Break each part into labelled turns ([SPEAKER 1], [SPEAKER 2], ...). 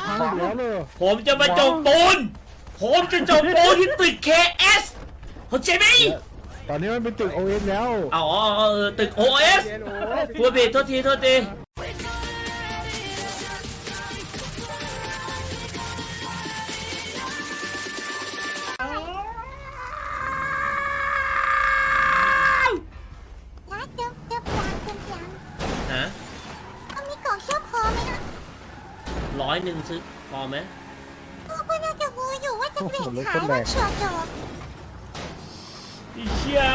[SPEAKER 1] พังอีกแล้วเลย
[SPEAKER 2] ผมจะมาจบปูนผมจะจบปูนที่ตึก KS เข้าใจไหม
[SPEAKER 1] ตอนนี้มันเป็นตึกโอเอสแล้ว
[SPEAKER 2] อ๋อตึก OS พูดผิดโทษทีฮะ
[SPEAKER 3] มีกล่องเชื่อพอไหมนะ
[SPEAKER 2] 100ซื้อพอไหม
[SPEAKER 3] ก็น่าจะงูอยู่ว่าจะเปลี่ยนขายว่าเฉียวจบ
[SPEAKER 2] อีเชี่ย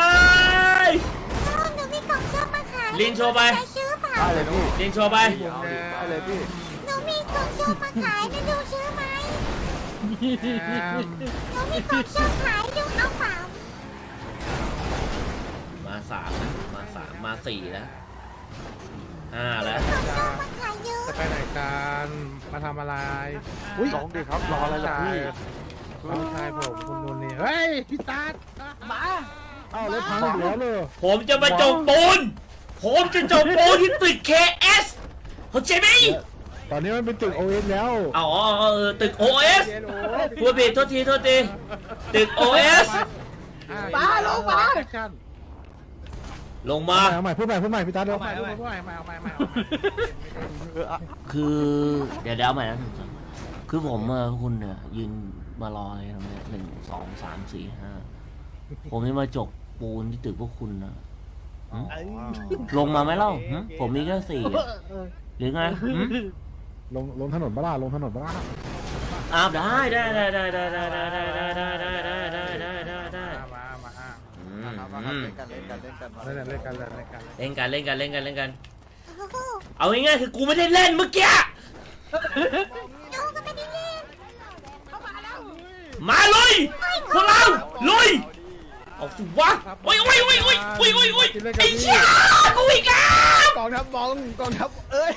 [SPEAKER 3] หนูมีกล่องเชื่อมาขาย
[SPEAKER 2] ลินโชว์ไป
[SPEAKER 3] ซื้อเปล่า
[SPEAKER 4] ได้เลยพี่
[SPEAKER 2] ลินโชว์ไป
[SPEAKER 4] ได้เลยพี่
[SPEAKER 3] หนูมีกล่องเชื่อมาขายนะดูซื้อไหมหนูมีกล่องเชื่อขายดูเอาเปล่า
[SPEAKER 2] มา3นะมา4แล้ว5แล้ว
[SPEAKER 3] กล่องเชื่อมาขายเยอะ
[SPEAKER 1] จะไปไหนกันมาทำอะไร
[SPEAKER 4] ลองดิครับรออะไรล่ะพี่
[SPEAKER 1] น้องชายผมคุณนุ่นนี่เฮ้ยพี่ตามาเอ้าแล้วพังอีกแล้วเลย
[SPEAKER 2] ผมจะมาจบปูนผมจะจบปูนที่ตึก KS เข้าใจไหม
[SPEAKER 1] ตอนนี้มันเป็นตึกโอเอสแล้ว
[SPEAKER 2] อ๋อตึก OS พูดผิดโทษทีตึก OS
[SPEAKER 1] มาลงมา
[SPEAKER 2] ลงมา
[SPEAKER 1] เอาใหม่พูดใหม่พี่ตาเอาใหม่
[SPEAKER 2] คือเดี๋ยวเอาใหม่นะคือผมคุณเนี่ยยืนมารออะไรตรงนี้1 2 3 4 5ผมจะมาจกปูนที่ตึกพวกคุณนะลงมาไหมเล่าผมมีแค่4หรือไง
[SPEAKER 1] ลงถนนบ้าลงถนนบ้า
[SPEAKER 2] อ้าวได้
[SPEAKER 1] มา
[SPEAKER 4] เล่นกัน
[SPEAKER 2] เอาง่ายๆคือกูไม่ได้เล่นเมื่อกี้
[SPEAKER 3] หนูก็ไม่ได้เล่น
[SPEAKER 2] มาลุยพวกเราลุยเอาสิวะโอ้ยไอ้เชี่ยกูอีกแล้ว
[SPEAKER 4] กองทัพบองกองทัพเอ้ย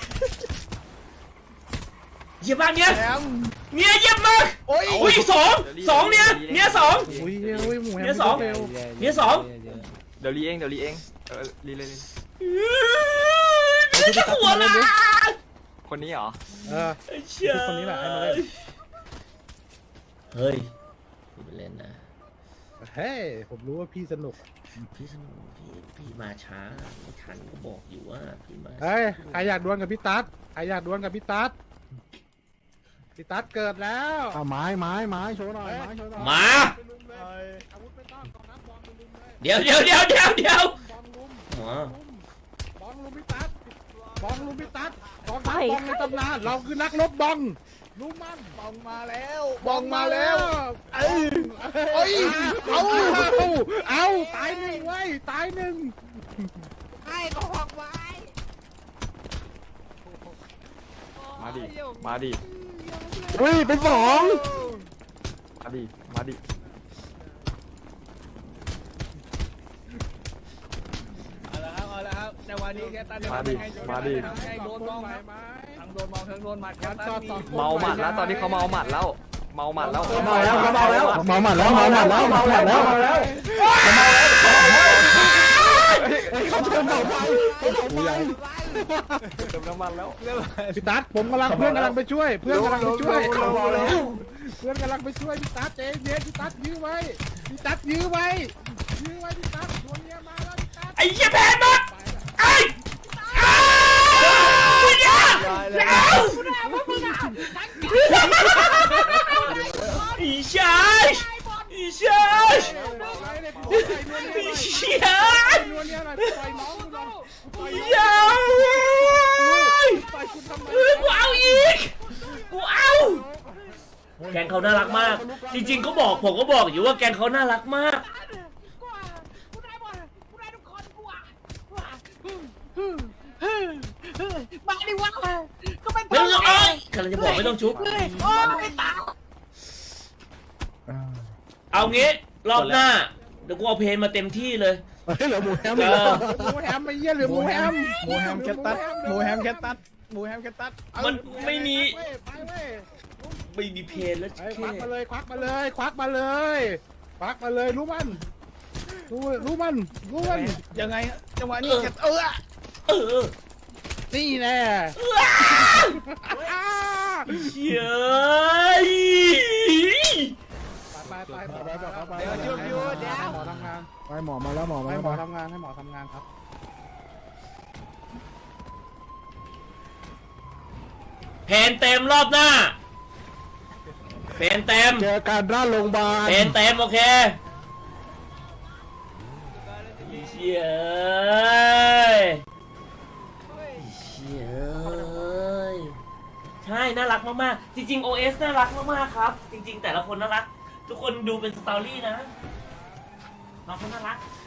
[SPEAKER 2] เยี่ยมมากเนี่ยเยี่ยมมาก
[SPEAKER 4] โอ้ย
[SPEAKER 2] อุ้ยสองเนี่ยสอง
[SPEAKER 1] อุ้ยหมูแฮม
[SPEAKER 2] เนี่ยสอง
[SPEAKER 4] เดี๋ยวรีเองรีเลย
[SPEAKER 2] ไม่ใช่หัวละ
[SPEAKER 4] คนนี้เหรอ
[SPEAKER 2] ไอ้เชี่ย
[SPEAKER 1] คนนี้แหละให้มาเล่น
[SPEAKER 2] เฮ้ยไปเล่นนะ
[SPEAKER 1] เฮ้ยผมรู้ว่าพี่สนุก
[SPEAKER 2] พี่สนุกพี่มาช้าไม่ทันก็บอกอยู่ว่าพี่มา
[SPEAKER 1] เฮ้ยใครอยากดวลกับพี่ตั๊ดพี่ตั๊ดเกิดแล้วไม้โชว์หน่อย
[SPEAKER 2] มา
[SPEAKER 1] อาวุธไม่ต้องกองทัพบอลลุมเลย
[SPEAKER 2] เดี๋ยว
[SPEAKER 1] บอลลุม
[SPEAKER 2] หมอบ
[SPEAKER 1] อลลุมพี่ตั๊ดกองทัพบอลในตำนานเราคือนักรบบอลรู้มั่นบอลมาแล้วเอ้ยเอาตายหนึ่งไว้ตายหนึ่งให้ก็หอกไว้
[SPEAKER 4] มาดิ
[SPEAKER 1] อุ้ยเป็นสอง
[SPEAKER 4] มาดิ
[SPEAKER 5] เอาละครับในวันนี้แค่ตัน
[SPEAKER 4] มาดิ
[SPEAKER 5] ให้โดนมองทั้งโดนมองทั้งโดนหมัดครับตัน
[SPEAKER 4] เมาหมัดแล้วตอนนี้เขาเมาหมัดแล้วเมาหมัดแล้ว
[SPEAKER 1] เมาหมัดแล้วเขาเติมเสาไฟ
[SPEAKER 4] เติมน้ำมันแล้ว
[SPEAKER 1] พี่ตั๊ดผมเพื่อนกำลังไปช่วยพี่ตั๊ดเจ๊เย็นพี่ตั๊ดยื้อไว้พี่ตั๊ดดวงเนี้ยมาแล้วพี่ตั๊ด
[SPEAKER 2] ไอ้เหี้ยแพ้หมดไอ้อีชายอีชาย
[SPEAKER 1] นวลเนี้ยหน่อยปล่อยน้องกูหน่อย
[SPEAKER 2] ยาวกูเอาอีกกูเอาแกงเขาน่ารักมากจริงๆผมก็บอกอยู่ว่าแกงเขาน่ารักมาก
[SPEAKER 5] มาดิวะก็เป็น
[SPEAKER 2] ไม่ต้องเอ้ยกำลังจะบอกไม่ต้องชุบ
[SPEAKER 5] ไม่ตาย
[SPEAKER 2] เอางี้รอบหน้าเดี๋ยวกูเอาเพลงมาเต็มที่เลย
[SPEAKER 1] เหลือหมูแฮมไม่เยี่ยหรือหมูแฮมแคทตัส
[SPEAKER 2] มันไม่มีเพลงแล้ว
[SPEAKER 1] ควักมาเลยรู้มัน
[SPEAKER 5] ยังไงจังหวะนี้
[SPEAKER 2] เออ
[SPEAKER 1] นี่แน่
[SPEAKER 2] เชี่ย
[SPEAKER 1] ไปเดี๋ยวหมอทำงานไปหมอมาแล้วหมอให้หมอทำงานให้หมอทำงานครับ
[SPEAKER 2] เพนเต็มรอบหน้าเพนเต็ม
[SPEAKER 1] เจอกันหน้าโรงพยาบาล
[SPEAKER 2] เพนเต็มโอเคเชี่ยเชี่ยใช่น่ารักมากๆจริงๆ OS น่ารักมากๆครับจริงๆแต่ละคนน่ารักทุกคนดูเป็นสตอรี่นะน้องคนน่ารัก